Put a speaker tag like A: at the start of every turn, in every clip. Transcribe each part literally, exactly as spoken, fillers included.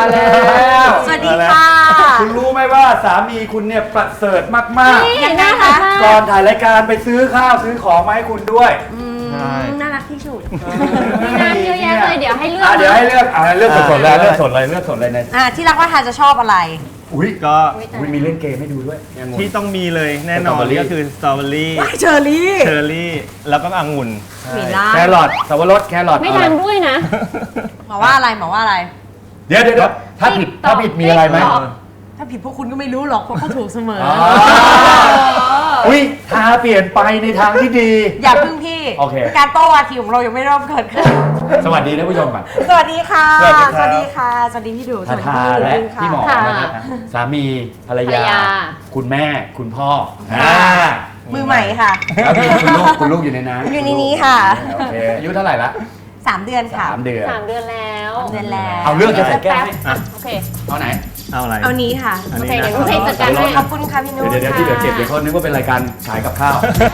A: แล้ว
B: สวัสดีค่ะ
A: คุณรู้ไหมว่าสามีคุณเนี่ยประเสริฐมากๆ
B: ยังไงคะ
A: ก่อนถ่ายรายการไปซื้อข้าวซื้อของมาให้คุณด้วย
B: น่ารักที่สุด
C: มีงานเยอะแยะเลยเดี๋ยวให้เลือก
A: เดี๋ยวให้เลือกเอาเลือกสดๆเลยเลือกสดเลยเลือกสดเลยใน
B: อ่าที่รักว่าทานจะชอบอะไร
A: อุ้ย
D: ก็
A: อุ้ยมีเล่นเกมให้ดูด้วย
D: ที่ต้องมีเลยแน่นอนก็คือสตรอเบอรี่
B: เชอร์รี่
D: เชอร์รี่แล้วก็องุ่น
B: มีล่า
A: แครอทสับปะรดแครอท
C: ไม่
A: เอา
C: ดั
A: อะไร
C: งด้วยนะ
B: หมอว่าอะไรหมอว่าอะไร
A: เดี๋ยวเดี๋ยวถ้าผิดถ้าผิดมีอะไรไหม
B: ถ้าผิดพวกคุณก็ไม่รู้หรอกเพราะเขาถูกเสมอ
A: อ๋ออุ้ยทาเปลี่ยนไปในทางที่ดี
B: อย่าพึ่งพี่
A: โอเค
B: การโต้วาทีของเรายังไม่เริ่มเกิดขึ้น
A: สวัสดีท่านผู้ชมก่อน
B: สวัสดีค่ะ
A: สวัสดีครับ
B: สวัสดีค่ะ สวัสดีพี่ดูส
A: ทา
B: วัสดี
A: ทา
B: พี่
A: และ
B: ดูค่ะ
A: พี่หมอ
C: ค่ะ
A: นะครับสามีภรร
C: ภรร
A: ยา
C: ยา
A: คุณแม่คุณพ่ออ่า
B: มือใหม่ค่ะ
A: แล้วมีคุณลูกคุณลูกอยู่ในนั้น
B: อยู่ในนี้ค่ะ
A: โอเคอายุเท่าไหร่ละ
B: สามเดือนค่ะ
A: สามเดือน
C: สามเดือนแล้ว
B: เดือนแล้ว
A: เอาเรื่องจะใส่แก้วให้
C: อ่ะโอเค
A: เอาไหน
D: เอาอะไร
B: เอานี้ค่ะ
D: อัน
C: โอ
D: นี้
C: เค
D: นะ
C: เดี๋ยวนุ่นให้จัดการให้
B: ขอบคุณค่ะพี่นุ่น
A: เดี๋ยวเดี๋ยวที่เดี๋ยวเก็บเดี๋ยวเขานึกว่าเป็นรายการขายกับข้าว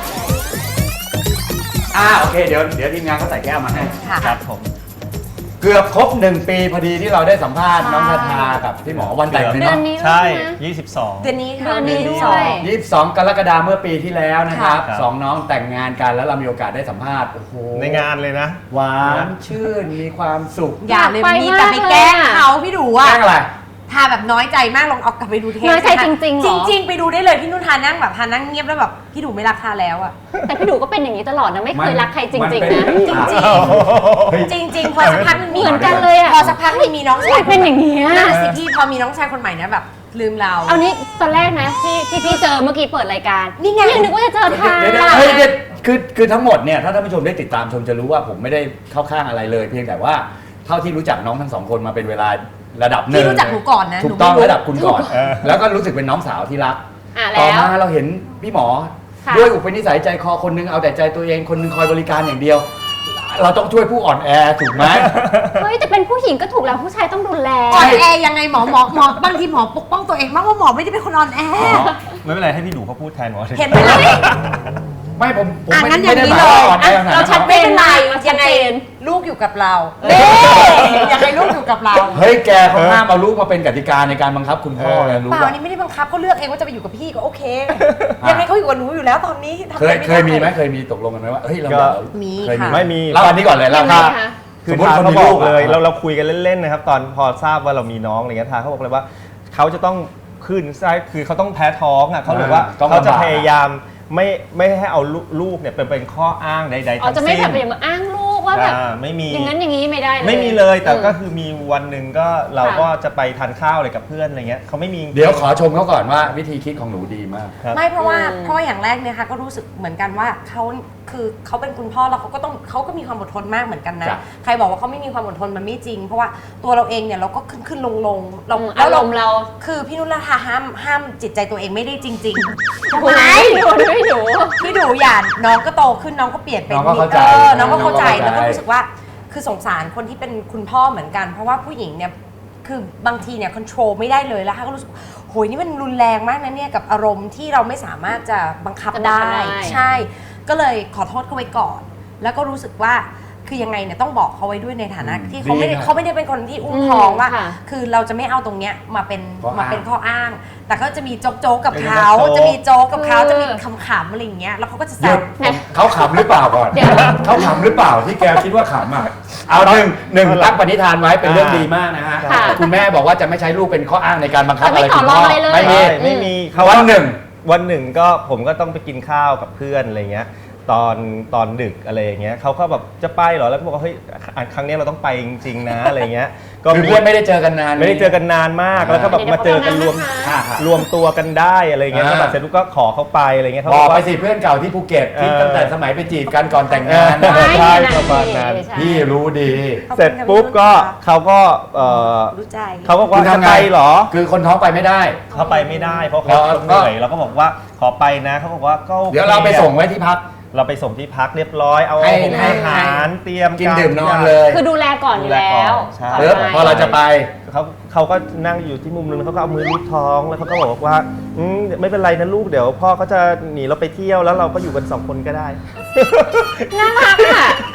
A: อ่าโอเคเดี๋ยวเดี๋ยวทีมงานเขาใส่แก้วมาให้
B: ค่ะ
D: ครับผม
A: เกือบครบหนึ่งปีพอดีที่เราได้สัมภาษณ์น้องทาทากับพี่หมอวันแต่งเลย
C: เดือ
A: เนาะ
C: นนี้
D: ใช่
C: ด้วยนะ
D: ยี่สิบสอง
B: เดือนนี้ค่ะ
C: เดือนนี้ด้วย
A: ยี่สิบสองกรกฎาคมเมื่อปีที่แล้วนะครับ
D: ค่ะ
A: สองน้องแต่งงานกันแล้วเรามีโอกาสได้สัมภาษณ์โอ้โห
D: ในงานเลยนะ
A: หวานชื่นมีความสุข
B: อย่าเลย
C: อยากไป
B: มีแต่ไป
C: มากเลย
B: แกล้ง
C: อะ
B: เขาพี่ดู
A: แก
B: อ่ะ
A: ล้งอะไร
B: ทาแบบน้อยใจมากลองเอากลับไปดูเทป
C: น้อยใจจริงๆเหรอ
B: จริง ๆ ไปดูได้เลยพี่นุ่นทานั่งแบบทานั่งเงียบแล้วแบบพี่ดูไม่รักทาแล้วอ่ะ
C: แต่พี่ดูก็เป็นอย่างนี้ตลอดนะไม่เคยรักใครจริง
A: มั
C: ๆ
A: เป็
C: นะ
B: จริง
A: เฮ้ย
B: จริงจริง ๆ พอสักพักมันมี
C: เหมือนกันเลยอะ
B: พอสักพักมันมีน้องชาย
C: เป็นอย่างนี้ย
B: นั่นสิพี่พอมีน้องชายคนใหม่นะแบบลืมเรา
C: เอานี้ตอนแรกนะที่ที่พี่เจอเมื่อกี้เปิดรายการ
B: นี่ไง
C: ยังนึกว่าจะเจอทาง
A: เดี๋ยวเดี๋ยวเฮ้ยเดี๋ยวคือคือทั้งหมดเนี่ยถ้าท่านผู้ชมได้ติดตามชมจะรู้ว่าผมไม่ได้เข้าข้างอะไรเลย เพียงแต่ว่าเท่าที่รู้จักน้องทั้งสองคนมาเป็นเวลาระดับหนึ่ง
B: พี่รู้จักหนูก่อนนะ
A: ถูกต้อง
B: หนูไม่รู้
A: ระดับคุณก่อน
D: เออ
A: แล้วก็รู้สึกเป็นน้องสาวที่รัก
C: อ่ะ
A: ต่อ
C: แล้ว
A: มาเราเห็นพี่หมอ
C: ค่ะ
A: ด้วยอุปนิสัยใจคอคนนึงเอาแต่ใจตัวเองคนนึงคอยบริการอย่างเดียว เราต้องช่วยผู้อ่อนแอถูกไหม
C: เฮ้ยแต่เป็นผู้หญิงก็ถูกแล้วผู้ชายต้องดูแล
B: อ่อนแอยังไงหมอหมอหมอบางทีหมอปกป้องตัวเองมากว่าหมอไม่ได้เป็นคนอ่อนแอ
D: ไม่เป็นไรให้พี่หนูเขาพูดแทนหมอ
B: เห็นไหมล่ะ
A: ไม่ผมผม
B: อ่ะ
A: ไม่
B: งั้นอ
A: ไม่
B: ย่าง
A: ได้
B: นี้
A: หมาย
B: เลย
A: ว่าอ่อนแอขนาด
C: เรา
A: นั้น
C: ชัด
A: หรอก
C: เจน
B: ไม่เป็นไร
C: มันชั
B: ยั
C: ด
B: งไง
C: เจน
B: ลูกอยู่กับเรายังไงลูกอยู่กับเรา
A: เฮ้ยแกเขาห้ามเอาลูกมาเป็นกติกาในการบังคับคุณพ่อไงรู้
B: เปล่า
A: ป่ะ
B: อันนี้ไม่ได้บังคับเขาเลือกเองว่าจะไปอยู่กับพี่ก็โอเค ยังไงเขาอยู่กับหนูอยู่แล้วตอนนี้ทำ
A: เค
B: อะ
A: ย
B: รด้
A: เคยมีไหมเคยมีตกลงกันไหมว่าเฮ้ยเรา
D: ก็
B: มี
A: เคยมี
B: ค่ะ
D: ไม่มี
A: เล่าอันนี้ก่อนเลยเล่า
C: ยังไง
A: ถ้า
C: คะ
D: คือ
A: สมมุติ
D: ทา
A: คน
D: เขา
A: มี
D: บ
A: ลู
D: อก
A: กอะ
D: เลยเราเราคุยกันเล่นๆนะครับตอนพอทราบว่าเรามีน้องอะไรเงี้ยทาเขาบอกเลยว่าเขาจะต้องขึ้นไส้คือเขาต้องแพ้ท้องอ่ะเขาบอกว่า
A: ต้อง
D: เขาจะ
A: ลำบาก
D: พยายามไม่ไม่ให้เอาลูกเนี่ยเป็นเป็นข้ออ้างใดๆ
C: อ๋อ
D: ทั้ง
C: จะไม่
D: สิ้
C: แบบ
D: น
C: อย่างมาอ้างลูกว่าแบบ
D: อ่าไม่มี
C: อย่างนั้นอย่างนี้ไม่ได้เลย
D: ไม่มีเลยแต่ก็
C: ม
D: คือมีวันหนึ่งก็เราก็จะไปทานข้าวอะไรกับเพื่อนอะไรเงี้ยเขาไม่มี
A: เดี๋ยวขอชมเขาก่อนว่าวิธีคิดของหนูดีมาก
D: ครับ
B: ไม่เพราะว่า
C: อืม
B: เพราะว่าอย่างแรกเนี่ยค่ะก็รู้สึกเหมือนกันว่าเขาคือเขาเป็นคุณพ่อแล้วเขาก็ต้องเขาก็มีความอดทนมากเหมือนกันนะ
A: จ้ะ
B: ใครบอกว่าเขาไม่มีความอดทนมันไม่จริง เพราะว่าตัวเราเองเนี่ยเราก็ขึ้นขึ้นลงลงเรา
C: อืม
B: แล้ว
C: อารมณ์เรา
B: คือพี่นุ่นละทาห้ามห้ามจิตใจตัวเองไม่ได้จริงๆ
C: ทำไมดูไม่ดู
B: พี่ดูอย่าน้องก็โตขึ้นน้องก็เปลี่ยนเป็น
A: น้องก็เข้าใจ
B: ออน้องก็เข้าใจ
A: น้องก็เข้าใจ
B: แล้วก็รู้สึกว่าคือสงสารคนที่เป็นคุณพ่อเหมือนกัน เพราะว่าผู้หญิงเนี่ยคือบางทีเนี่ยควบคุมไม่ได้เลยแล้วค่ะก็รู้สึกโหยนี่มันรุนแรงมากนะเนี่ยกับอารมณ์ที่เราไม่สามารถจะบังคับ
C: จะบังคับ
B: ได้
C: ได้
B: ใช่ ก็เลยขอโทษเขาไว้ก่อน แล้วก็รู้สึกว่าคือยังไงเนี่ยต้องบอกเขาไว้ด้วยในฐานะ
A: อืม
B: ที่เขาไม่ได้
A: ดีนะ
B: เขาไม่ได้เป็นคนที่อุ้มท้องว่า
C: ค่ะ
B: คือเราจะไม่เอาตรงเนี้ยมาเป็น
A: ข้ออ้าง
B: มาเป็นข้ออ้าง แต่ก็จะมีโจ๊กโจ๊กกับ
D: เป็น
B: เขา
D: โจ๊ก
B: จะมีโจ๊กกับเขา
C: คือ
B: จะมีขำๆอะไรอย่างเงี้ยแล้วเขาก็จะ
A: ห
B: แซ
A: ยุ
B: ว
A: ดเขาขำหรือเปล่าก่อน
C: เดี๋ยว
A: เขาขำหรือเปล่าที่แกคิดว่าขำอ่ะเอาหนึ่งหนึ่งตั้งปณิธานไว้เป็นเรื่องดีมากนะฮะ
C: ค่ะ
A: คุณแม่บอกว่าจะไม่ใช้ลูกเป็นข้ออ้างในการบังคับ
C: แต่
A: อะ
C: ไม่
A: ไร
C: ต่
A: คุ
C: อ
A: ณ
C: ร
A: พ่
C: อง
A: อ
C: อะไรเลย
A: ไม่มี
D: ไม่มี
A: วันหนึ่ง
D: วันหนึ่งก็ผมก็ต้องไปกินข้าวกับเพื่อนอะไรเงี้ยตอนตอนดึกอะไรอย่างเงี้ยเขาก็แบบจะไปเหรอแล้วบอกว่าเฮ้ยครั้งนี้เราต้องไปจริงๆนะอะไรเงี้ยก็
A: คือ
D: มี
A: เพื่อนไม่ได้เจอกันนาน
D: ไม่ได้เจอกันนานมากแล้วก็แบบมาเจอกันรวม
A: ค่ะค่ะ
D: รวมตัวกันได้อะไรเงี้ย
A: อ่า
D: แล้วแบบเสร็จปุ๊บก็ขอเขาไปอะไรเงี้ยเขา
A: บอก
D: ว่า
A: ไปสิเพื่อนเก่าที่ภูเก็ตที่
D: เออ
A: ตั้งแต่สมัยไปจีบกันก่อนแต่งงาน
D: เออ ใช่
C: นั่น
D: ประมาณนั้น
C: ใช่
A: พี่รู้ดี
D: เสร็จปุ๊บก็เขาก็เออ
B: รู้ใจ
D: เขาบอกว่า
A: คุณ
D: จะ
A: ทำไง
D: ไปเหรอ
A: คือคนท้องไปไม่ได้
D: เขาไปไม่ได้เพราะเขา
A: แล้ว
D: เหนื่อยเราก็บอกว่าขอไปนะเขาบอกว่าก็โอค
A: เดี๋ยวเราไปส่งไว้ที่พัก
D: เราไปส่งที่พักเรียบร้อยเอา
A: ให้
D: อา
A: ให้
D: หารเตรียม
A: กิน
D: าร
A: ดื่มนอนเลย
C: คือดูแลก่อนอยู่แล้ว
D: ใช่
C: ก่น
A: เออ
C: ไป
A: พอเราจะไป
D: เขาเขาก็นั่งอยู่ที่มุมนึงเขาก็เอามือลูบท้องแล้วเขาก็บอกว่าอืมไม่เป็นไรนะลูกเดี๋ยวพ่อเขาจะหนีเราไปเที่ยวแล้วเราก็อยู่กันสองคนก็ได้
C: น่ารักอ่ะ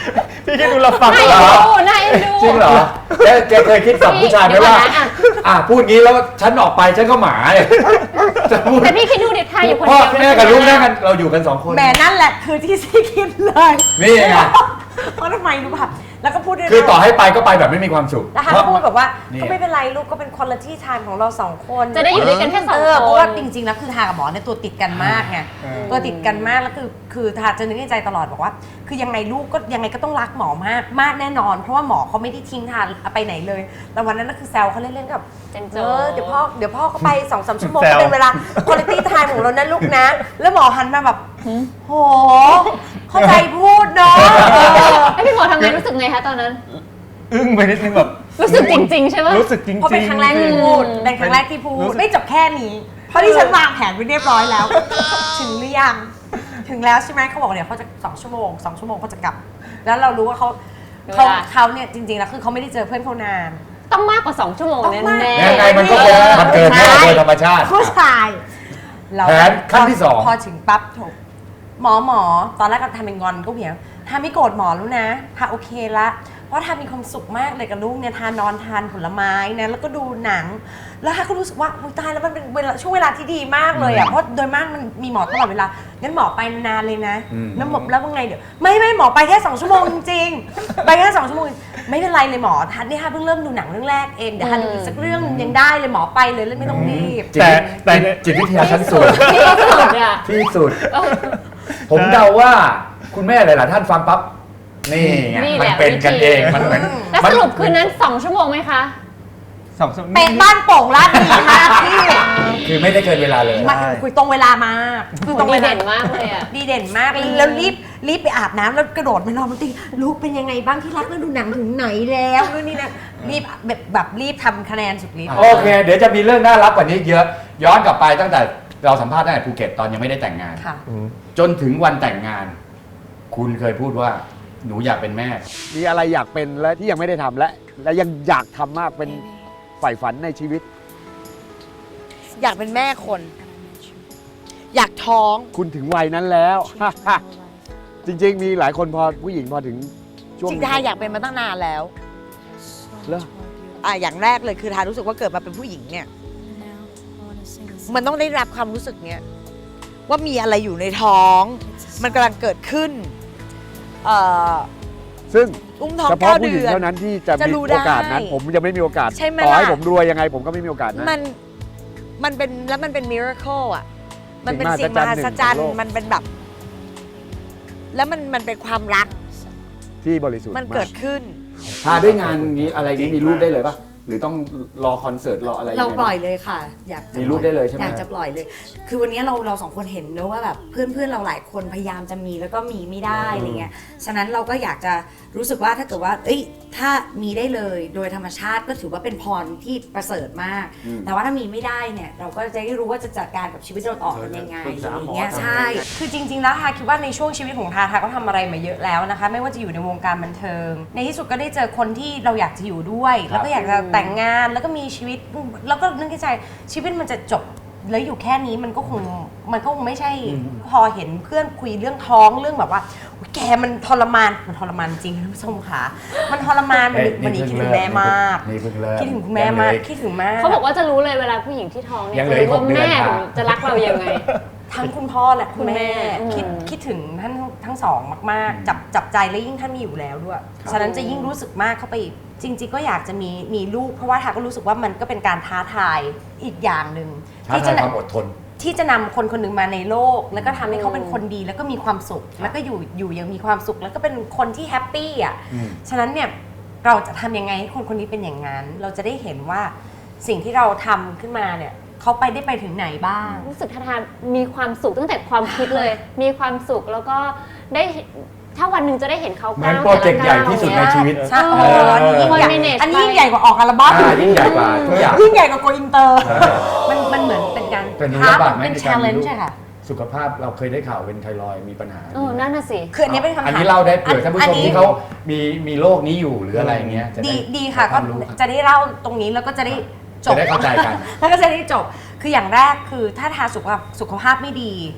D: พี่คิดดูเราฟัง
C: น่า
D: เหร
C: เอ็น
D: อ
C: ดูน่าเอ็นดู
A: จริงเหรอแกแกเคยคิดกับผู้ชายไหมว่า
C: เดี๋ยวก่อนนะอ่ะ
A: อ่ะพูดงี้แล้วฉันออกไปฉันก็หมาเลยจะพูด
C: แต่พี่คิดดูเด็กทายอยู่คน
A: พ่อ
C: เดียว
A: แม่กับลูกนั่งกันเราอยู่กันสองคน
B: แหม่นั่นแหละคือที่ซีคิดเลย
A: นี่ไง
B: เพราะทำไมรู้ป่ะแล้วก็พูดด้วยนะ
A: คือต่อให้ไปก็ไปแบบไม่มีความสุข
B: แล้วฮันพูดแบบว่า
A: นี่
B: ก็ไม่เป็นไรลูกก็เป็นคุณภาพไทม์ของเราสองคน
C: จะได้อยู่ด้วยกันแค่สอง
B: เอ
C: ค
B: อเพราะว่าจ
C: น
B: ริงๆแล้วคือทากับหมอเนี่ยตัวติดกันมากไง
A: เออ
B: ตัวติดกันมากแล้วคือคือทาจะนึกในใจตลอดบอกว่า คือยังไงลูกก็ยังไงก็ต้องรักหมอมากมากแน่นอน เพราะว่าหมอเขาไม่ได้ทิ้งทาไปไหนเลยแต่วันนั้นก็คือแซวเขาเล่นๆกับ
C: เจนโจ
B: เออเดี๋ยวพ่อเดี๋ยวพ่อก็ไปสองสามชั่วโมง
D: แซว
B: เป็นเวลาคุณภาพไทม์ของเรานะลูกนะ แล้วหมอหันมาแบบโหเข้าใจพูดเนาะเออ
C: ไอพี่หมอทำไงรู้สึกไงคะตอนนั้น
D: อึ้งไปนิดนึงแบบ
C: รู้สึกจริง ๆ ใช่ไหม
D: รู้สึกจริงๆ
B: เพราะเป็นครั้งแรกที่พูด เป็นครั้งแรกที่พูด ไม่จบแค่นี้ เพราะที่ฉันวางแผนไว้เรียบร้อยแล้ว ถึงหรือยัง ถึงแล้วใช่ไหมเขาบอกเดี๋ยวเขาจะสองชั่วโมงสองชั่วโมงเขาจะกลับ แล้วเรารู้ว่าเขาเขาเขาเนี่ยจริงๆแล้วคือเขาไม่ได้เจอเพื่อนเขานาน
C: ต้องมากกว่าสองชั่วโมง
B: ต้อง
C: แน่
B: มาก
C: แน่
A: ยังไงมันก็คงมันเกินแน่โดยธรรมชาติ
B: ผู้ชายเรา
A: แผนขั้นที่สอง
B: พอถึงปั๊บโถหมอหมอตอนแรกก็ทำเป็นงอนก็เพียงทาไม่โกรธหมอแล้วนะทาโอเคละเพราะทามีความสุขมากเลยกับลูกเนี่ยทานอนทานผลไม้นะแล้วก็ดูหนัง แล้วทาก็รู้สึกว่าอุ๊ยตายแล้วมันเป็นเวลาช่วงเวลาที่ดีมากเลยอ่ะเพราะโดยมากมันมีหมอตลอดเวลางั้นหมอไปนานเลยนะ
A: อืม
B: แล้วหมอแล้วว่าไงเดี๋ยวไม่ไม่หมอไปแค่สองชั่วโมงจริงๆไปแค่สองชั่วโมงไม่เป็นไรเลยหมอทันนี่ฮะเพิ่งเริ่มดูหนังเรื่องแรกเองเดี๋ยวทันดูอีกสักเรื่องนึงยังได้เลยหมอไปเลยแล้วไม่ต้องรีบ
A: จิต
D: แต่
A: วิ
D: แต่
A: จิตวิทยาชั้นสูง
C: ที่สุดอ่ะ
A: ที่สุด ผมเดาว่าคุณแม่หลาย ๆ ท่านฟังปั๊บนี่ไง
C: นี่แห
A: มัน
C: ละ
A: เป็นกัน
C: วิธี
A: เองมันเหมือน
C: แล้วสรุปคืนนั้นสองชั่วโมงไหมคะ
D: สองสาม
B: เป๊ะบ้านโป่งลาดดีมากพี่
A: คือไม่ได้เกินเวลาเลย
B: มันคุยตรงเวลามากคือตรง
C: ดี
B: เวลา
C: เด่นมากเลยอ่ะ
B: ดีเด่นมากแล้วรีบรีบไปอาบน้ำแล้วกระโดดมานอนบนเตียงลูกเป็นยังไงบ้างที่รักแล้วดูหนังถึงไหนแล้วนู่นนี่นะรีบแบบแบบรีบทำคะแนนสุดฤทธิ์
A: โอเค เดี๋ยวจะมีเรื่องน่ารักกว่านี้เยอะ ย้อนกลับไปตั้งแต่เราสัมภาษณ์ตั้งแต่ภูเก็ตตอนยังไม่ได้แต่งงาน
B: ค่ะ
D: อืม
A: จนถึงวันแต่งงาน คุณเคยพูดว่าหนูอยากเป็นแม่
E: มีอะไรอยากเป็นและที่ยังไม่ได้ทำและ และยังอยากทำมากเป็นใฝ่ฝันในชีวิต
F: อยากเป็นแม่คน อยากท้อง
E: คุณถึงวัยนั้นแล้ว จริง ๆ มีหลายคนพอผู้หญิงพอถึงช่วง
F: จริงๆทาอยากเป็นมาตั้งนานแล้ว
E: เหรอ
F: อ่ะอย่างแรกเลยคือทารู้สึกว่าเกิดมาเป็นผู้หญิงเนี่ย มันต้องได้รับความรู้สึกเนี้ยว่ามีอะไรอยู่ในท้อง มันกำลังเกิดขึ้น เอ่อ
E: ซึ่ง
F: อุ้มท้อง
E: เฉ
F: เก้า
E: พาะผู้ห
F: เดื
E: ญิง
F: อน
E: เท่านั้นที่จะ
F: จะ
E: มี
F: รู้ได้
E: โอกาสนั้น ผมยังไม่มีโอกาส
F: ใช่ไหม
E: ต่อให้
F: ล่ะ
E: ผมรวยยังไงผมก็ไม่มีโอกาสนะ
F: มันมันเป็นแล้วมันเป็นมิราเคิลอ่ะ มันเป็น
E: สิ่
F: สิ่ง
E: ง
F: ม
E: มหั
F: หั
E: ศ
F: ศ
E: จ
F: จ
E: ร
F: ร
E: ร
F: ร
E: ย์
F: ย์
E: ของโลก
F: มันเป็นแบบ แล้วมันมันเป็นความรัก
E: ที่บริสุทธิ์
F: มันเกิดขึ้น
A: พาด้วยงานนี้อะไรนี้มีรูปได้เลยปะหรือต้องรอคอนเสิร์ตรออะไรยังไง
G: เราปล่อย
A: บ้าง
G: เลยค่ะ อยากจะ
A: มีรูปได้เลยใช่ไหม
G: อยากจะปล่อยเลย คือวันนี้เราเราสองคนเห็นแล้วว่าแบบเพื่อนเพื่อนเราหลายคนพยายามจะมีแล้วก็มีไม่ได้อะไรเงี้ยฉะนั้นเราก็อยากจะรู้สึกว่าถ้าเกิดว่า เอ้ยถ้ามีได้เลยโดยธรรมชาติก็ถือว่าเป็นพรที่ประเสริฐมาก
A: อืม
G: แต่ว่าถ้ามีไม่ได้เนี่ย เราก็จะได้รู้ว่าจะจัดการกับชีวิตเราต่อกันยังไง
A: ปรึกษา
G: อะไร
A: หมอ
G: เงี้ย
A: ทำไง
G: ใช่
B: คือจริงๆ แล้วทาคิดว่าในช่วงชีวิตของทาทาก็ทำอะไรมาเยอะแล้วนะคะ ไม่ว่าจะอยู่ในวงการบันเทิง ในที่สุดก็ได้เจอคนที่เราอยากจะอยู่ด้วย แล้วก็อยากจะแต่งงานแล้วก็มีชีวิต แล้วก็นึกในใจชีวิตมันจะจบแล้วอยู่แค่นี้มันก็คงมันก็คงไม่ใช่พอเห็นเพื่อนคุยเรื่องท้องเรื่องแบบว่าอุ๊ยแกมันทรมานมันทรมานจริงท่านผู้ชมค่ะมันทรมานมัน
A: เอ้ย
B: มันนี้
A: นี่
B: คิด
A: เพิ่
B: ถึ
A: ง
B: งแม่มาก
A: นี่เพิ่งเริ่ม
B: คิดถึงคุณแม่มาก
A: ยังเหลืออีก
B: คิดถึงมาก
C: เขาบอกว่าจะรู้เลยเวลาผู้หญิงที่ท้องเนี่ย
A: ยังเหลืออีก
C: จะรู้ว่า
A: หกเดือน
C: แม่
A: ค่ะ
C: จะรักเรายังไง
B: ทั้งคุณพ่อและคุณแม่
C: คุณแม่
B: คิด
C: อืม
B: คิดถึงท่านทั้งสองมากๆ จับจับใจและยิ่งท่านมีอยู่แล้วด้วย ฉะนั้นจะยิ่งรู้สึกมากเข้าไปอีกจริง ๆ ก็อยากจะมีมีลูก เพราะว่าทาก็รู้สึกว่ามันก็เป็นการท้าทายอีกอย่างหนึ่ง
A: ท้า
B: ที่
A: ทา
B: จะ
A: ยความอดทน
B: ที่จะนำคนคนหนึ่งมาในโลก แล้วก็ทำให้เขาเป็นคนดีแล้วก็มีความสุข แล้วก็อยู่อยู่อยังมีความสุข แล้วก็เป็นคนที่แฮปปี้อ่ะ
A: อืม
B: ฉะนั้นเนี่ยเราจะทำยังไงให้คนคนนี้เป็นอย่างนั้น เราจะได้เห็นว่าสิ่งที่เราทำขึ้นมาเนี่ยเขาไปได้ไปถึงไหนบ้าง
C: รู้สึกทาทามีความสุขตั้งแต่ความคิดเลย มีความสุขแล้วก็ได้เห็นถ้าวันหนึ่งจะได้เห็นเขา
A: เหมือนโปรเจกต์ใหญ่ที่สุดในชีวิต
B: ใช่
C: เอ
B: โอ้
C: อ
B: อันนี้ยิ่งใหญ่
C: manage
B: อันนี้ยิ่งใหญ่กว่าออกอัลบั้ม
A: อ่ายิ่งใหญ่กว่าทุกอย่าง
B: ยิ่งใหญ่กว่าโกอินเตอร์ มันมันเหมือนเป็นการ
A: เป็น
B: ท้า
A: ลำบากไหม
B: เป็น
A: ใน
B: ชา
A: การ
B: เล
A: มี
B: น
A: ลู
B: จ์
A: ก
B: ใช่ค่ะ
A: สุขภาพเราเคยได้ข่าวเป็นไทรอยด์มีปัญหา
C: เออนั่นน่ะสิ
B: คืออันนี้เป็นคำถาม
A: อันนี้เล่าได้เผื่อท่านผู้ชม
B: อั
A: ที่เขามีมีโรคนี้อยู่หรืออะไรเงี้ยจะไ
B: ดีดีค่ะ
A: ค
B: ก็
A: วามรู้ครับ
B: จะได้เล่าตรงนี้แล้วก็จะได้จ
A: จะ
B: บ
A: ได้เข้าใจกัน
B: แล้วก็จะได้จบ คืออย่างแรกคือถ้าทาสุขภาพสุขภาพไม่ดี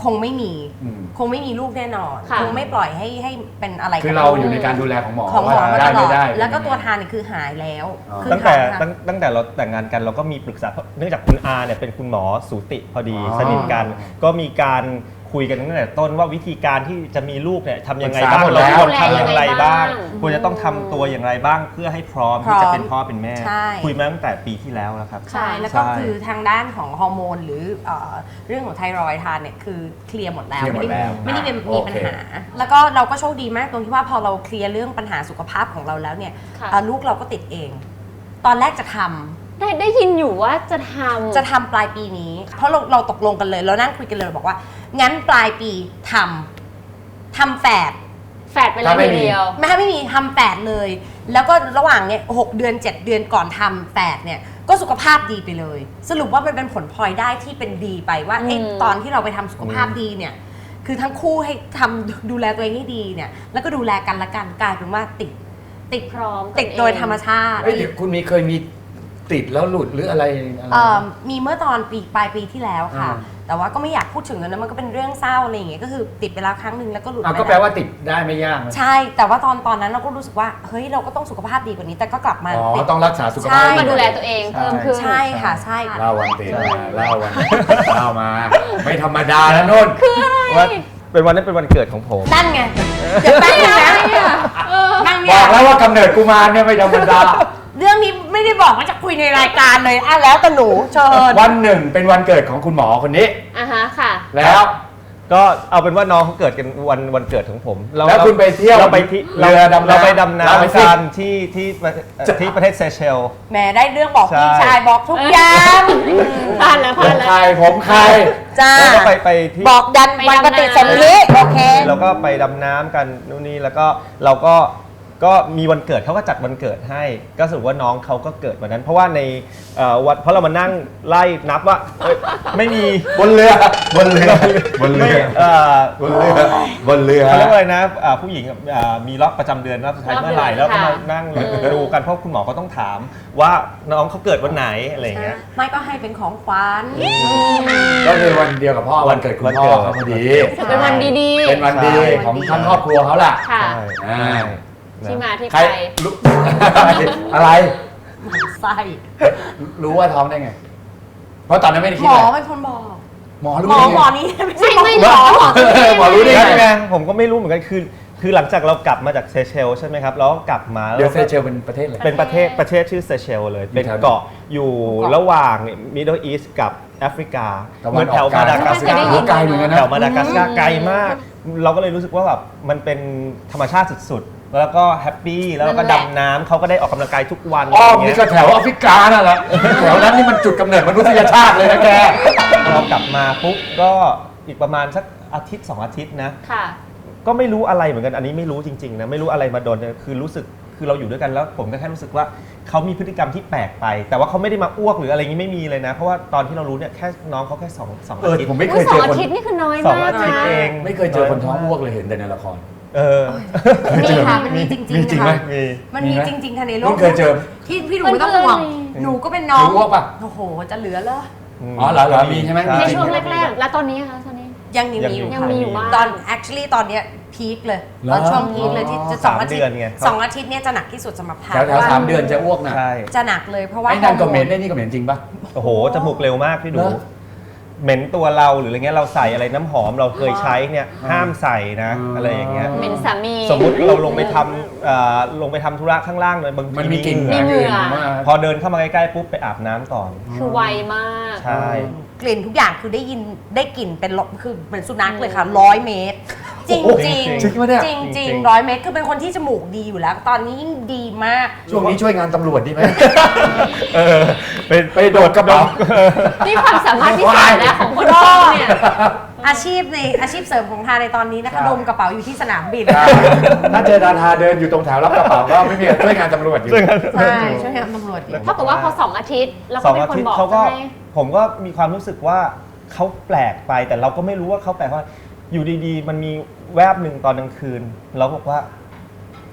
B: คงไม่มี
A: อืม
B: คงไม่มีลูกแน่นอน
C: ค่ะ
B: คงไม่ปล่อยให้ให้เป็นอะไร
A: คือ
B: กับ
A: เรา
B: ลูก
A: อยู่ในการดูแลของหมอ
B: ของหมอ
A: ว่า
B: มา
A: ได้
B: ตล
A: ไม่
B: อด
A: ได้
B: แล้วก็
A: เป็น
B: ตัว
A: ยังไง
B: ทานเนี่ยคือหายแล้ว
A: อ๋อ
B: คือ
D: ตั้งแต่
B: ทาน
D: ตั้งตั้งแต่เราแต่งงานกันเราก็มีปรึกษาเพราะเนื่องจากคุณอาเนี่ยเป็นคุณหมอสูติพอดี
A: อ๋อ
D: สนิทกัน ก็มีการคุยกันตั้งแต่ต้นว่าวิธีการที่จะมีลูกเนี่ยทำยังไง
A: ปรึกษา
D: บ้าง
A: หมด
D: เรา
A: แล้ว
D: ควรทำอย่างไรบ้าง
C: ดูแลยังไงบ้าง
D: ควรจะต้องทำตัวอย่างไรบ้างเพื่อให้พร้อม
B: พร้
D: ที่
B: อม
D: จะเป็นพ่อเป็นแม่
B: ใช่
D: คุยมาตั้งแต่ปีที่แล้วแล้วครับ
B: ใช่ แล้วก็
D: ใช่
B: คือทางด้านของฮอร์โมนหรือเอ่อเรื่องของไทรอยด์ทานเนี่ยคือเคลียร์หมดแล้ว
A: เคลียร์หมดแล้ว
B: ไม่ได้ไม่ได้
A: อ่ะ
B: มี
A: โอเค
B: ปัญหา แล้วก็เราก็โชคดีมากตรงที่ว่าพอเราเคลียร์เรื่องปัญหาสุขภาพของเราแล้วเนี่ย
C: ค่ะ
B: เอ่อลูกเราก็ติดเอง ตอนแรกจะทำ
C: ได้ได้ยินอยู่ว่าจะทำ
B: จะทำปลายปีนี้ เพราะเราเราตกลงกันเลย เรานั่งคุยกันเลยเราบอกว่า งั้นปลายปีทำทำแฝด
C: แฝดไปเลย
A: ถ้าไม่
C: ที
A: มี
C: เดียว
B: ไม่ให้ไม่มีทำแฝดเลย แล้วก็ระหว่างเนี่ยหกเดือนเจ็ดเดือนก่อนทำแฝดเนี่ยก็สุขภาพดีไปเลย สรุปว่ามันเป็นผลพลอยได้ที่เป็นดีไปว่าไอ้
C: อืม
B: ตอนที่เราไปทำสุขภาพดีเนี่ยคือทั้งคู่ให้ทำดูแลตัวเองให้ดีเนี่ยแล้วก็ดูแลกันละกันกลายเป็นว่าติดติด
C: พร้อม
B: ติดโดยธรรมชาติ
A: เอ้ยเดี๋ยวคุณมีเคยมีติดแล้วหลุดหรืออะไรอะไร
B: เอ่อมีเมื่อตอนปีปลายปีที่แล้วค่ะ
A: อ่า
B: แต่ว่าก็ไม่อยากพูดถึงแล้วนะมันก็เป็นเรื่องเศร้าอะไรอย่างเงี้ยก็คือติดไปแล้วครั้งหนึ่งแล้วก็หลุด
A: อ่ะ
B: ไป
A: ก็แปลว่าติดได้ไม่ยากนะ
B: ใช่ แต่ว่าตอนตอนนั้นเราก็รู้สึกว่าเฮ้ยเราก็ต้องสุขภาพดีกว่านี้ แต่ก็กลับมา
A: อ๋อ
B: ติด
A: ต้องรักษาสุข
B: ใช่
A: ภาพ
C: มาดูแลตัวเองเพิ่มขึ้น
B: ใช่ค่ะใช่
A: เล่าวันติดมาเล่าวันเล่ามา ไม่ธรรมดานะนุ่น
D: ว่าเป็นวันนั้นเป็นวันเกิดของผม
B: นั่นไงเดี๋ยวแป๊บนึงนะนั่ง
A: บ
B: เนี่
A: อย กแล้วว่ากำเนิดกุมารเนี่ยไม่ธรรมดา
B: เรื่องนี้ไม่ได้บอกว่าจะคุยในรายการเลยอ่ะแล้วแต่หนูเชิญ
A: วันหนึ่งเป็นวันเกิดของคุณหมอคนนี้
C: อ่ะฮะค่ะ
A: แล้ว
D: ก็เอาเป็นว่าน้องเขาเกิดกันวันวันเกิดของผมเรา
A: แล้วคุณไปเที่ยว
D: เราไปที่
A: เรือดำน้ำ
D: เราไปดำ
A: เล่าไป
D: น้ำ
A: สิ
D: กันที่ที่ประเทศเอ่อที่ประเทศเซเชล
B: แหมได้เรื่องบอกพี่
D: ใช่
B: ชายบอกทุกอย่าง
C: ผ่านแล้ว
A: ผ
C: ผ่าน
A: ม
C: แล้ว
A: ใครผมใคร
B: จ้า
D: แล้วก็ไปไปที่
B: บอกยัน
C: ไป
B: วัน
C: ดำ
B: ป
C: น้ำ
B: ฏิสนธิโอเค
D: เราก็ไปดำน้ำกันนู่นนี่แล้วก็เราก็ก็มีวันเกิดเขาก็จัดวันเกิดให้ ก็สรุปว่าน้องเขาก็เกิดวันนั้น เพราะว่าในเอ่อวันเพราะเรามานั่งไล่นับว่าเอ้ยไม่มี
A: บนเรือบนเรือบนเรือ
D: เอ่อบ
A: นเรือบนเรือ
D: เขาเรียกว่าอะไรนะอ่าผู้หญิงอ่ามีรอบประจำเดือนรอบสุดท้าย
C: รอบ
D: เมื่อไหร่
C: เดือน
D: แล้วก็มา
C: ค่ะ
D: นั่ง
C: อืม
D: ดูกันเพราะคุณหมอก็ต้องถามว่าน้องเขาเกิดวันไหนอะไรอย่างเงี้ย
B: ไม่ก็ให้เป็นของขวัญ
A: ก็คือวันเดียวกับพ่อวันเกิดคุณพ่อเขาพอดี
C: เป็นวันดีๆ
A: เป็นวันดีของทั้งครอบครัวเขาล่ะ
C: ค่ะ
A: อ่า
C: ที่มาที่
A: ใคร
C: ไป
A: รู้ อะไร
B: ไส้
A: รู้ว่าท้องได้ไง เพราะตอนนั้นไม่ได้
B: ห
A: คิด
B: มอ
A: อะไร
B: เป็นคนบอก
A: หมอรู้
B: หมอ
A: ได้ไง
B: หมอนี้ไม่ใช่
C: ไม่ไม่หมอหมอ
A: หมอรู้ได้
D: นั่น
A: ไง
D: ไงผมก็ไม่รู้เหมือนกันคือคือหลังจากเรากลับมาจากเซเชลใช่ไหมครับแล้วก็กลับมา
A: เดี๋ยว
D: แล้
A: เซ
D: ก็
A: เชลเป็นประเทศอะไร
D: เป็นประเทศประเทศชื่อเซเชลเลย
A: อยู่
D: เป็น
A: แถวไหน
D: เกาะอยู่ระหว่างมิดเดิลอีสต์กับแอฟริกา
A: ตะ
D: เห
A: วั
D: มือน น
A: อ
D: แถ
A: อก
D: ว
A: กลาง
D: มาดากัสการ์
A: โอ้ไกลเหมือนกันนะ
D: แถวมาดากัสการ์ไกลมาก เราก็เลยรู้สึกว่าแบบมันเป็นธรรมชาติสุดๆ แล้วก็แฮปปี้แล้วเราก็
C: นั่นแหละ
D: ดำน้ำเขาก็ได้ออกกำลังกายทุกวัน
A: อ้อม
D: ะไร
A: นี่
D: เงี้ย
A: ก็แถวแอฟริกานั่นแหละแถวนั้นนี่มันจุดกำเนิดมนุษยชาติเลยนะแก
D: พอกลับมาปุ๊บก็อีกประมาณสักอาทิตย์สองอาทิตย์นะ
C: ค่ะ
D: ก็ไม่รู้อะไรเหมือนกัน อันนี้ไม่รู้จริงๆนะ ไม่รู้อะไรมาโดนเนี่ยคือรู้สึก คือเราอยู่ด้วยกันแล้วผมก็แค่รู้สึกว่าเขามีพฤติกรรมที่แปลกไป แต่ว่าเขาไม่ได้มาอ้วกหรืออะไรอย่างนี้ไม่มีเลยนะ เพราะว่าตอนที่เรารู้เนี่ยแค่น้องเขาแค่สองสอง
A: เอ
D: อา
A: อ
D: ทิตย์
A: ผมไม่เค
C: อุ้ย
A: ย
C: สอ
A: เจ
C: ง
A: อ
C: อา
A: คน
C: ทิตย์นี่คือน้อย
D: สอง
C: มาก
D: อาทิตย์
C: นะ
D: เอง
A: ไม่เคยเจอคนท้องอ้วกเลยเห็นแต่ในละคร
D: เออ
B: มีค่ะมันมีจริง
A: มีจริง
B: ๆ
A: ไหม
B: ค่ะ
D: มี
B: มันมีจริงๆค่ะในโล
A: นุ่
B: ก
A: นเคยเจอ
B: ที่พี่หนูไม่ต้องห่วง
C: มันก็เลย
B: หนูก็เป็นน้อง
A: หนูอ้วกปะ
B: โอ้โหจะเหลือเหรอ
A: อ๋อเหรอเหรอมีใช่ไหมมี
C: ใน
A: จริ
C: ช่วงแรกๆ แล้วตอนนี้คะตอนนี้
B: ยังมีมีอยู่
C: ยัง
B: ค่ะ
C: มีอยู่บ้าง
B: ตอน actually ตอนเนี้ยพีคเลย
A: เหรอ
B: ตอนช่วงพีคเลยที่จะสองอาทิต
D: สามเดือน
B: ย์
D: ไง
B: สองอาทิตย์เนี่ยจะหนักที่สุดสำหรับพา
A: แถวแถวสามเดือนจะอ้วกนะ
D: ใช่
B: จะหนักเลยเพราะว่า
A: ไอ้นั่นก็เหม็น
B: ฮอ
A: ไอ้
B: ร์โ
A: นี่ก็เหม็นจริงปะ
D: โอ้โห จมูกเร็วมากพี่ดู
A: เหรอ
D: เหม็นตัวเราหรืออะไรเงี้ย เราใส่อะไรน้ำหอมเราเคยใช้เนี่ยห้ามใส่นะ อะไรอย่างเงี้ย
C: เป็นสามี
D: สมมุติเราลงไปทำเอ่อลงไปทำธุระข้างล่างเลยบางที
A: มันมีกลิ่น
C: มีเหงื่อ
A: มาก
D: พอเดินเข้ามาใกล้ๆปุ๊บไปอาบน้ำก่อน
C: คือไวมาก
D: ใช่
B: กลิ่นทุกอย่างคือได้ยินได้กลิ่นเป็นร้อยคือเหมือนสุนัขเลยค่ะร้อยเมตร จริง
A: โอ้โห
B: จริง
A: จริงปะเนี่ย
B: จริงจริง
D: จริง
B: ร้อยเมตรคือเป็นคนที่จมูกดีอยู่แล้ว ตอนนี้ยิ่งดีมาก
A: ช่วงนี้ช่วยงานตำรวจดีไหม
D: เออไป
A: ไปโดดกระเป๋า
C: นี่ความสามารถพิเศษนะของคนพ่อเนี่ย
B: อาชีพในอาชีพเสริมของทาในตอนนี้นะ
A: ครั
B: คะ
A: บ
B: ดมกระเป๋าอยู่ที่สนามบิน
A: ถ้าเจอดาราเดินอยู่ตรงแถวรับกระเป๋าก็ไม่มีช่วยงานตำรวจอยู่
B: ใช่ช่วยงานตำรวจอยู่
C: เท่ากับว่าพอสองอาทิตย์แล้ว
D: ส
C: ก็
D: อง
C: เป็น
D: อา
C: คน
D: ทิต
C: บ
D: ย์
C: อก
D: เขาก็
C: ใช่ไหม
D: ผมก็มีความรู้สึกว่าเขาแปลกไปแต่เราก็ไม่รู้ว่าเขาแปลกว่าอยู่ดีๆ มันมีแวบหนึ่งตอนกลางคืน เราบอกว่า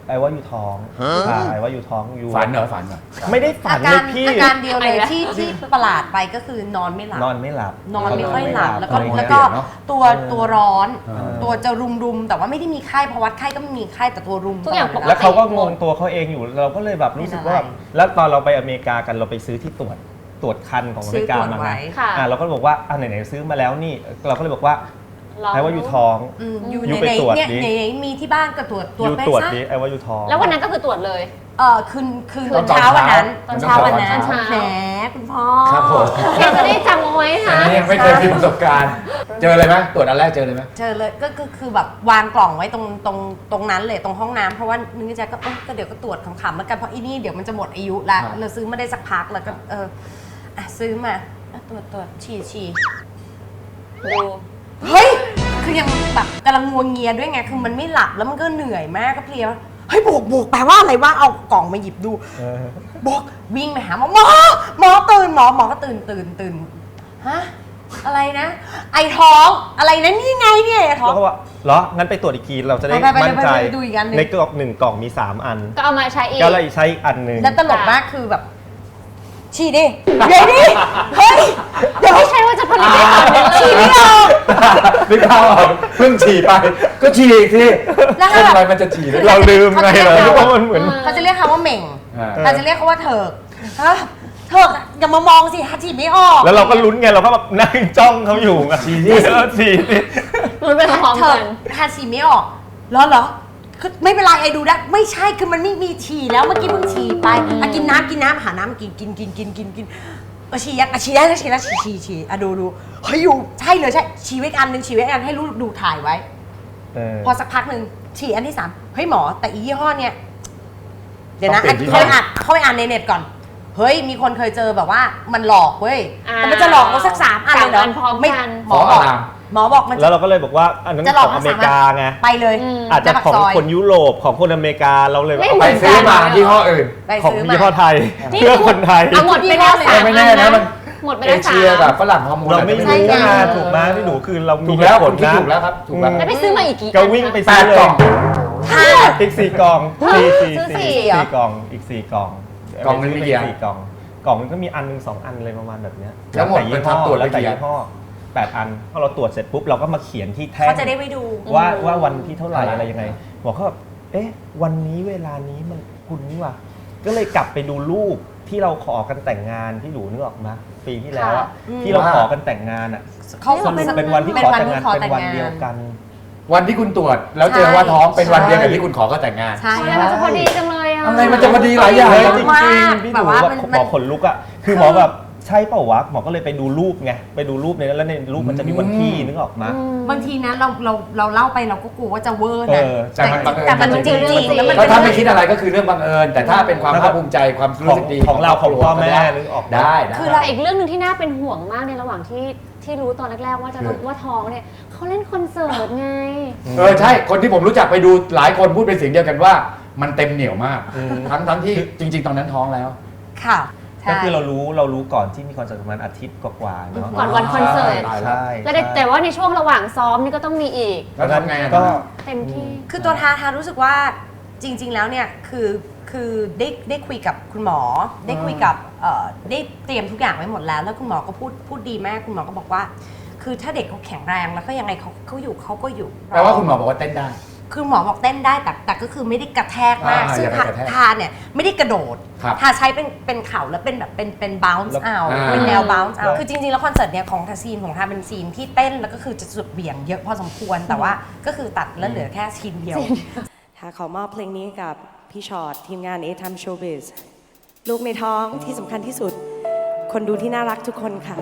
D: ไอ้ว่าอยู่ท้องอ่าไอ้ว่าอยู่ท้องอยู่
A: ฝันเหรอฝันเหรอ
D: ไม่ได้ฝั
B: อาน
D: เล
B: การ
D: ยพี่
B: อาการเดียวเลยที่ที่ประหลาดไปก็คือนอนไม่หลับ
D: นอนไม่หลับ
B: นอนไม่ค่อยหลับแล้วก็
A: นอนไม่หลับ
B: แล้วก็
A: เนอะ
B: ตัว
D: เออ
B: ตัวร้อน
A: เออ
B: ตัวจะรุมรุมๆแต่ว่าไม่ได้มีไข้เพราะวัดไข้ก็ไม่มีไข้แต่ตัวรุม
C: ทุกอย่าง
B: ต
C: ป
B: ล
C: ก
B: ด
C: ติ
D: แล้วเขาก็งงตัวเขาเองอยู่เราก็เลยแบบรู้สึกว่าแบบ
B: เป็นอะไร
D: แล้วตอนเราไปอเมริกากันเราไปซื้อที่ตรวจตรวจคันของอเม
B: ซื้อ
D: ริกา
B: ตรวจ
D: มา
B: ไว้
D: ไง
C: ค่ะ
D: อ่าเราก็บอกว่าอ่าไหนๆซื้อมาแล้วนี่เราก็เลยบอกว่า
C: ลอง
D: ไอ้ว่าอยู่ท้อง
B: อืมอยู่
D: อยู่
B: ใน
D: ไป
B: ใน
D: ตรวจ
B: เนี่ย
D: ดิ
B: ในมีที่บ้านก็ตรวจตรวจ
D: อยู่
B: ไป
D: ตรวจ
B: ซะ
D: ดิไอ้ว่าอยู่ท้อง
C: แล้ววันนั้นก็คือตรวจเลย
B: เออคืนคืน
A: ตอน
B: เช้าวันนั้นต
A: ต
B: อ
A: อน น
B: เช้า
A: เช้า
B: วันนั้น
C: ตอนเช้า
B: แหมคุณพ่อ
A: ครับผม
C: อยากจะได้จำเอาไว้ค่ะ
A: อันนี้ยังไม่เคยมีประสบการณ์ เจอเลยไหมตรวจอันแรกเจอเลยไหม
B: เจอเลยก็ก็คือแบบวางกล่องไว้ตรงตรงตรงนั้นเลยตรงห้องน้ำเพราะว่านึกในใจก็เอ้ยก็เดี๋ยวก็ตรวจขำๆแล้วกันเพราะอีนี่เดี๋ยวมันจะหมดอายุละ
A: ครับ
B: เราซื้อมาได้สักพักแล้วก็เอออ่ะซื้อมาอ่ะตรวจตรวจฉี่ฉี่
C: ดู
B: เฮ้ยคือยังแบบกำลังงัวเงียด้วยไงคือมันไม่หลับแล้วมันก็เหนื่อยมากก็เพลียเฮ้ยบวกบวกแปลว่าอะไรวะเอากล่องมาหยิบดู
D: เออ
B: บอกวิ่งไปหาหมอหมอหมอตื่นหมอหมอก็ตื่นตื่นตื่นฮะอะไรนะ ไอท้องอะไรนะนี่ไงเนี่ยไอท้อง
D: เราก็ว่าเหรองั้นไปตรวจอีกทีเราจะได้
B: ไปไปไป
D: มั่นใจ
B: ไปไปดูอีกอันหนึ่ง
D: ในกล่องหนึ่งกล่องมีสามอัน
C: ก็เอามาใช้อีก
D: ก็เลยใช้อีกอันหนึ่ง
B: แล้วตลกมากคือแบบฉี่ดิเดี๋ยวดิเฮ้ยเดี๋ยว
C: ไม่ใช่ว่าจะผลิตได้ตอนนี้เล
B: ฉี่
C: ย
B: ไม่ออก
A: นึกภาพออกเพิ่งฉี่ไป ก็ฉี่อีกที
B: แล้วก็
A: คน
B: แบบ
A: อะไรมันจะฉี่ได้
D: เราลืมไงเราคิดว่ามันเหมือน
B: เขาจะเรียกเขาว่าเหม่ง
A: อ่า
B: เราจะเรียกเขาว่าเถิกฮะเถิกอะอย่ามามองสิฮะฉี่ไม่ออก
D: แล้วเราก็ลุ้นไงเราก็แบบนั่งจ้องเขาอยู่ไง
A: ฉี่
D: เออฉี่ดิ
C: รุ้นไปพร้อม
B: เถิ
C: กั
B: ก
C: น
B: ฮะฉี่ไม่ออกเหรอเหรอคือไม่เป็นไรไอ้ดูได้ไม่ใช่คือมันไม่มีฉี่แล้วเมื่อกี้เพิ่งฉี่ไปอ่ะกินน้ำกินน้ำหาน้ำกินกินกินกินกินกินเออฉี่ยังอ่ะฉี่ได้แล้วฉี่แล้วฉี่ฉี่ฉี่อ่ะดูดูเฮ้ยอยู่ใช่เลยใช่ฉี่ไว้อันหนึ่งฉี่ไว้อันให้รู้ดูถ่ายไว้
D: เออ
B: พอสักพักหนึ่งฉี่อันที่สามเฮ้ยหมอแต่อียี่ห้อเนี่ยเดี๋ยวนะ
A: ต้อง
B: อั
A: เป
B: น
A: ลี่ยนยี่ห้อ
B: เขาไปอ่านเขาไปอ่านในเน็ตก่อน เฮ้ยมีคนเคยเจอแบบว่ามันหลอกเว้ย
C: อ่า
B: แต่มันจะหลอกเราสักสามอันเลยเหรอ
C: สามอันพร้อมกัน
B: ไม่หมอ
A: ขอ
B: บอก
A: อาราม
B: หมอบอกมัน
D: แล้วเราก็เลยบอกว่าอันนั้น
B: จะหล
D: ข
B: อก
D: อง
B: ทั้
D: อง เม
B: สาม
D: ริ
B: อัน
D: กาไง
B: ไปเลย
C: อืม
D: อาจจะ
B: หน้ปก
D: ของ
B: ซย
D: คนยุโรปของคนอเมริกาเราเลย
C: ไม่
D: เอา
C: เห
A: ไป
C: มืน
A: ซื้อมายี่ห้ออื่น
B: ไป
D: ของ
B: ซื้อมา
D: ยี่ห้อไทย
C: นี่
D: เพื่อคนไทย
C: เอาหมดไปแล้วสาม
A: ไม่แน่นะมัน
C: หมดไป
A: เอ
C: แล้วสา
A: เชียกับ
C: ม
A: ฝรั่งฮอร์โมน
D: เราไม่
A: อะ
D: รู้
A: ร
D: นะ
B: ใช่
D: ถูกไหมพี่หนูคือเรามี
A: ถูกแล้ว
D: เหตุผ
A: คุณคิด
D: นะ
A: ถูกแล้วครับถูกแล้ว
C: แล้วไปซื้อมาอีกกี่
D: ก็วิ่งไป
A: แป
D: ซื้อ
A: ด
D: เล
A: กล่
D: ย
A: อง
B: ห้า
D: อีกสี่กล่องสี่สี่
B: ซื้อสี่
D: สี่
B: เหรอ
D: สี่กล่องอีกสี่กล่อง
A: กล่องหนึ่งมีกี่อัน
D: สี่กล่องกล่องนึงก็มีอันหนึงสองอันเลยประมาณแบบเนี้ย
A: แล้วหมด
D: แต่ยี่ห้อ
A: เป็นทำตรวจไป
D: แล้วแต่
A: กี่อัน
D: ยี่ห้อแปดอันพอเราตรวจเสร็จปุ๊บเราก็มาเขียนที่แท่ง
B: เขาจะได้ไปดู
D: ว่าว่าวันที่เท่าไหร่
A: อะไร
D: อะไรยังไงบอกเขาแบบเอ๊ะ วันนี้เวลานี้มันคุณนี่ว่ะก็เลยกลับไปดูรูปที่เราขอกันแต่งงานที่หนูนึกออกมาปีที่แล้วอะ
B: อืม
D: ที่เราขอกันแต่งงานอ่ะ
B: เขา
D: สรุปเป็นวันที่
B: เป็น
D: ขอ
B: วัน
D: แต่ง
B: ที่
D: งาน
B: ขอ
D: เป็น
B: แต่ง
D: วัน
B: งาน
D: เดียวกัน
A: วันที่คุณตรวจแล้วเจอว่าท้องเป็นวันเดียวกับที่คุณขอก็แต่งงาน
B: ใช่
C: ทำไมมันจะพอดีจังเลยอ่ะ
A: อะไรมันจะพอดีหลายอย่าง
D: เฮ้ย
B: เยอะ
D: จริง
B: มาก
D: ๆพี่ห
B: แบ
D: นู
B: บว่า
D: แบบ
B: มัน
D: หมอขนลุกอ่ะคือหมอแบบใช่เปล่าวะหมอก็เลยไปดูรูปไงไปดูรูปในนั้นแล้วในรูปมันจะมีวันที่นึกออกมา
B: บางทีนะเราเราเราเล่าไปเราก็กลัวว่าจะเวอร์
D: เอ
B: นะ
D: อ
A: แต่มันบังเอิญ
B: แต่มันจริงจริงๆแล้วมัน
A: ก็
B: เป็น
A: ถ้าไม่คิดอะไรก็คือเรื่องบังเอิญแต่ถ้าเป็นความภาคภูมิใจความ
D: ข
A: รู้
D: อง
A: สึกดี
D: ของเราของพ่อแม่
A: ได้
D: นึกออก
A: ได้ได้
B: คือ
C: แต่อีกเรื่องหนึ่งที่น่าเป็นห่วงมากในระหว่างที่ที่รู้ตอนแรกๆว่าจะ
A: คือ
C: ว่าท้องเนี่ยเขาเล่นคอนเสิร์ตไง
A: เออใช่คนที่ผมรู้จักไปดูหลายคนพูดเป็นเสียงเดียวกันว่า มันเต็มเหนียวมาก ทั้งทั้งที่จริง ๆ ตอนนั้นท้องแล้ว
B: ค่ะใช่
D: ก็คือเรารู้เรารู้ก่อนที่มีคอนเสิร์ตประมาณอาทิตย์กว่าๆเนาะ
C: ก่อนวันคอนเสิร์ต
A: ตายแล้ว
D: ใช่
C: แล้วแต่แต่ว่าในช่วงระหว่างซ้อมนี่ก็ต้องมีอีก
A: แล้วทำไงอะ
D: ก็
C: เต็มที่
B: คือตัวทาทารู้สึกว่าจริง ๆ แล้วเนี่ยคือคือได้ได้คุยกับคุณหมอ ได้คุยกับเอ่อได้เตรียมทุกอย่างไว้หมดแล้ว แล้วคุณหมอก็พูดพูดดีมากคุณหมอก็บอกว่า คือถ้าเด็กเขาแข็งแรงแล้วก็ยังไงเขาเขาอยู่เขาก็อยู่
A: แปลว่าคุณหมอบอกว่าเต้นได้
B: คือหมอบอกเต้นได้แต่แต่ก็คือไม่ได้กระแทกมาก
A: อ่า
B: ซึ่ง
A: อย่าไป
B: ทาก
A: ระแทก
B: ทาเนี่ยไม่ได้กระโดด
A: ครับ
B: ทาใช้เป็นเป็นเข่าแล้วเป็นแบบเป็นเป็น bounce
D: แล้ว
B: out
A: อ่า
B: เป็นแนว bounce
D: แล้ว
B: out คือจริงๆแล้วคอนเสิร์ตเนี่ยของทาซีนของทาเป็นซีนที่เต้นแล้วก็คือจะสุดเบี่ยงเยอะพอสมควรแต่ว่าก็คือตัดแล้วเหลือแค่ซีนเดียว
H: ค่ะขอมอบเพลงนี้กับพี่ชอตทีมงาน A Time Showbiz ลูกในท้องที่สำคัญที่สุด คนดูที่น่ารักทุกคนค่ะ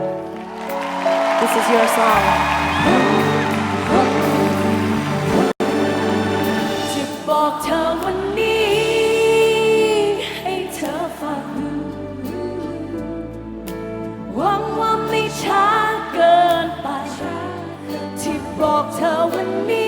H: This is your song จะบอกเธอวันนี้ให้เธอฟัง หวังว่าไม่ช้าเกินไป ที่บอกเธอวันนี้